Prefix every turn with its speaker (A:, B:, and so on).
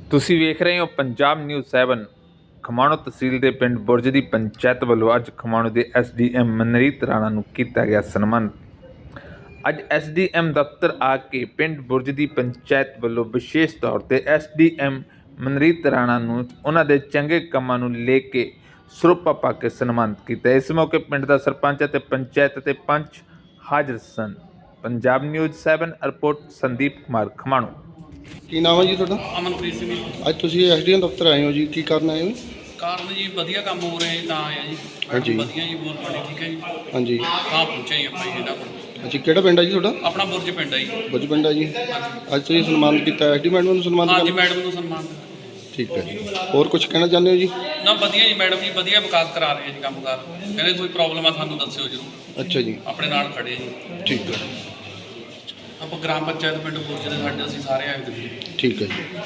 A: ਤੁਸੀਂ ਵੇਖ ਰਹੇ ਹੋ ਪੰਜਾਬ ਨਿਊਜ਼ 7। ਖਮਾਣੋ ਤਹਿਸੀਲ ਦੇ ਪਿੰਡ ਬੁਰਜ ਦੀ ਪੰਚਾਇਤ ਵੱਲੋਂ ਅੱਜ ਖਮਾਣੋ ਦੇ ਐਸਡੀਐਮ ਮਨਰੀਤ ਰਾਣਾ ਨੂੰ ਕੀਤਾ ਗਿਆ ਸਨਮਾਨ। ਅੱਜ ਐਸਡੀਐਮ ਦਫ਼ਤਰ ਆ ਕੇ ਪਿੰਡ ਬੁਰਜ ਦੀ ਪੰਚਾਇਤ ਵੱਲੋਂ ਵਿਸ਼ੇਸ਼ ਤੌਰ ਤੇ ਐਸਡੀਐਮ ਮਨਰੀਤ ਰਾਣਾ ਨੂੰ ਉਹਨਾਂ ਦੇ ਚੰਗੇ ਕੰਮਾਂ ਨੂੰ ਲੈ ਕੇ ਸਰੋਪਾ ਪਾ ਕੇ ਸਨਮਾਨਿਤ ਕੀਤਾ। ਇਸ ਮੌਕੇ ਪਿੰਡ ਦਾ ਸਰਪੰਚ ਅਤੇ ਪੰਚਾਇਤ ਅਤੇ ਪੰਚ ਹਾਜ਼ਰ ਸਨ। Punjab news 7 report Sandeep Kumar Khamano.
B: ਕੀ ਨਾਮ ਹੈ ਜੀ ਤੁਹਾਡਾ?
C: ਅਮਨਪ੍ਰੀਤ ਸਿੰਘ ਜੀ।
B: ਅੱਜ ਤੁਸੀਂ ਐਸਡੀਐਮ ਦਫ਼ਤਰ ਆਏ ਹੋ ਜੀ, ਕੀ ਕਰਨ ਆਏ ਹੋ?
C: ਕਾਰਨ ਜੀ ਵਧੀਆ ਕੰਮ ਹੋ ਰਿਹਾ ਤਾਂ ਆਇਆ ਜੀ।
B: ਹਾਂਜੀ।
C: ਵਧੀਆ ਜੀ, ਬਹੁਤ ਬੜੀ ਠੀਕ ਹੈ ਜੀ।
B: ਹਾਂਜੀ।
C: ਹਾਂ ਪੁੱਛਿਆ ਜੀ ਆਪਾਂ ਜੀ ਇਹਨਾਂ ਕੋਲ।
B: ਅੱਛਾ, ਕਿਹੜਾ ਪਿੰਡ ਹੈ ਜੀ ਤੁਹਾਡਾ?
C: ਆਪਣਾ ਬੁਰਜ ਪਿੰਡ ਹੈ ਜੀ।
B: ਬੁਰਜ ਪਿੰਡ ਹੈ ਜੀ।
C: ਹਾਂਜੀ।
B: ਅੱਜ ਤੁਸੀਂ ਸਨਮਾਨ ਕੀਤਾ, ਐਸਡੀ ਮੈਡਮ ਨੂੰ ਸਨਮਾਨ
C: ਹਾਂਜੀ,
B: ਕੀਤਾ?
C: ਮੈਡਮ ਨੂੰ ਸਨਮਾਨ।
B: ਠੀਕ ਹੈ ਜੀ। ਹੋਰ ਕੁਝ ਕਹਿਣਾ ਚਾਹੁੰਦੇ ਹੋ ਜੀ?
C: ਨਾ ਵਧੀਆ ਜੀ, ਮੈਡਮ ਜੀ ਵਧੀਆ ਵਿਕਾਸ ਕਰਾ ਰਹੇ ਜੀ ਕੰਮਕਾਰ। ਕਹਿੰਦੇ ਕੋਈ ਪ੍ਰੋਬਲਮ ਆ ਸਾਨੂੰ ਦੱਸਿਓ ਜ਼ਰੂਰ।
B: ਅੱਛਾ ਜੀ।
C: ਆਪਣੇ ਨਾਲ ਖੜੇ ਜੀ।
B: ਠੀਕ ਹੈ।
C: ਆਪਾਂ ਗ੍ਰਾਮ ਪੰਚਾਇਤ ਪਿੰਡ ਬੁਰਜ ਦੇ ਸਾਡੇ ਅਸੀਂ ਸਾਰੇ ਆਏ ਹੋਏ ਜੀ।
B: ਠੀਕ ਹੈ ਜੀ।